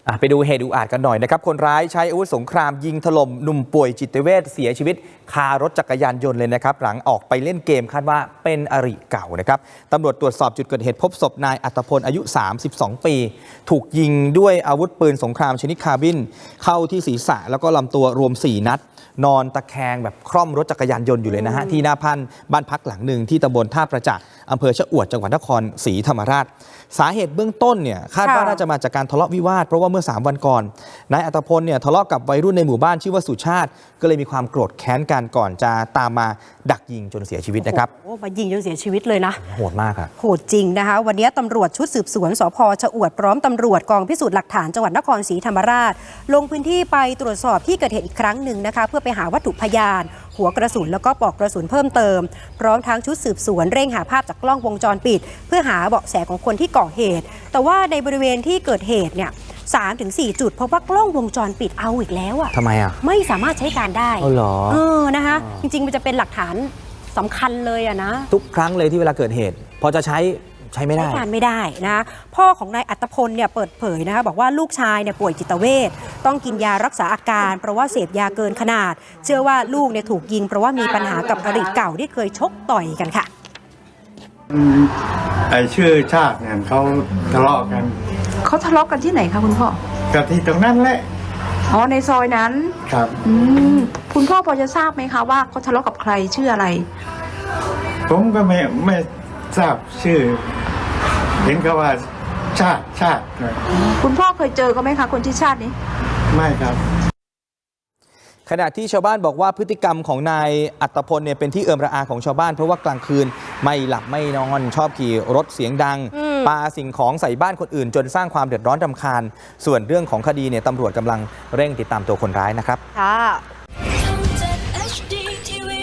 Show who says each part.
Speaker 1: ไปดูเหตุอุกอาจกันหน่อยนะครับคนร้ายใช้อาวุธสงครามยิงถล่มหนุ่มป่วยจิตเวชเสียชีวิตคารถจักรยานยนต์เลยนะครับหลังออกไปเล่นเกมคาดว่าเป็นอริเก่านะครับตำรวจตรวจสอบจุดเกิดเหตุพบศพนายอัตพลอายุ 32 ปีถูกยิงด้วยอาวุธปืนสงครามชนิดคาร์บินเข้าที่ศีรษะแล้วก็ลำตัวรวม4 นัดนอนตะแคงแบบคร่อมรถจักรยานยนต์อยู่เลยนะฮะที่หน้าบ้านพักหลังหนึ่งที่ตำบลท่าประจักษ์อำเภอชะอวดจังหวัดนครศรีธรรมราชสาเหตุเบื้องต้นเนี่ยคาดว่าน่าจะมาจากการทะเลาะวิวาทเพราะว่าเมื่อ3 วันก่อนนายอัตพลเนี่ยทะเลาะกับวัยรุ่นในหมู่บ้านชื่อว่าสุชาติก็เลยมีความโกรธแค้นกันก่อนจะตามมาดักยิงจนเสียชีวิตนะครับ
Speaker 2: โอ้มายิงจนเสียชีวิตเลยนะ
Speaker 1: โหดมากครับ
Speaker 2: โหดจริงนะคะวันนี้ตำรวจชุดสืบสวนสภ.ชะอวดพร้อมตำรวจกองพิสูจน์หลักฐานจังหวัดนครศรีธรรมราชลงพื้นที่ไปตรวจสอบที่เกิดเหตุอีกครั้งหนึ่งนะคะเพื่อไปหาวัตถุพยานหัวกระสุนแล้วก็ปลอกกระสุนเพิ่มเติมพร้อมทั้งชุดสืบสวนเร่งหาภาพจากกล้องวงจรปิดเพื่อหาเบาะแสของคนที่ก่อเหตุแต่ว่าในบริเวณที่เกิดเหตุเนี่ย3-4 จุดพบว่ากล้องวงจรปิดเอาอีกแล้ว
Speaker 1: ทำไม
Speaker 2: ไม่สามารถใช้การได้
Speaker 1: เหรอ
Speaker 2: นะคะจริงๆมันจะเป็นหลักฐานสำคัญเลยนะ
Speaker 1: ทุกครั้งเลยที่เวลาเกิดเหตุพอจะใช้ไม่ได้
Speaker 2: ใช้การไม่ได้นะพ่อของนายอัตพลเนี่ยเปิดเผยนะคะบอกว่าลูกชายเนี่ยป่วยจิตเวชต้องกินยารักษาอาการเพราะว่าเสพยาเกินขนาดเชื่อว่าลูกเนี่ยถูกยิงเพราะว่ามีปัญหากับอริเก่าที่เคยชกต่อยกันค่ะ
Speaker 3: ชื่อชาติเนี่ยเขาทะเลาะกัน
Speaker 4: เขาทะเลาะกันที่ไหนคะคุณพ่อ
Speaker 3: กับที่ตรงนั้นแหละ
Speaker 4: อ๋อในซอยนั้น
Speaker 3: ครับ
Speaker 4: คุณพ่อพอจะทราบไหมคะว่าเขาทะเลาะกับใครชื่ออะไร
Speaker 3: ผมก็ไม่ทราบชื่อเห็นเขาว่าชาติ
Speaker 4: คุณพ่อเคยเจอเขาไหมคะคนที่ชาตินี้
Speaker 3: ไม่ครับ
Speaker 1: ขณะที่ชาวบ้านบอกว่าพฤติกรรมของนายอัตพลเนี่ยเป็นที่เอิมระอาของชาวบ้านเพราะว่ากลางคืนไม่หลับไม่นอนชอบขี่รถเสียงดังปาสิ่งของใส่บ้านคนอื่นจนสร้างความเดือดร้อนรำคาญส่วนเรื่องของคดีเนี่ยตำรวจกำลังเร่งติดตามตัวคนร้ายนะครับ
Speaker 2: ค่ะ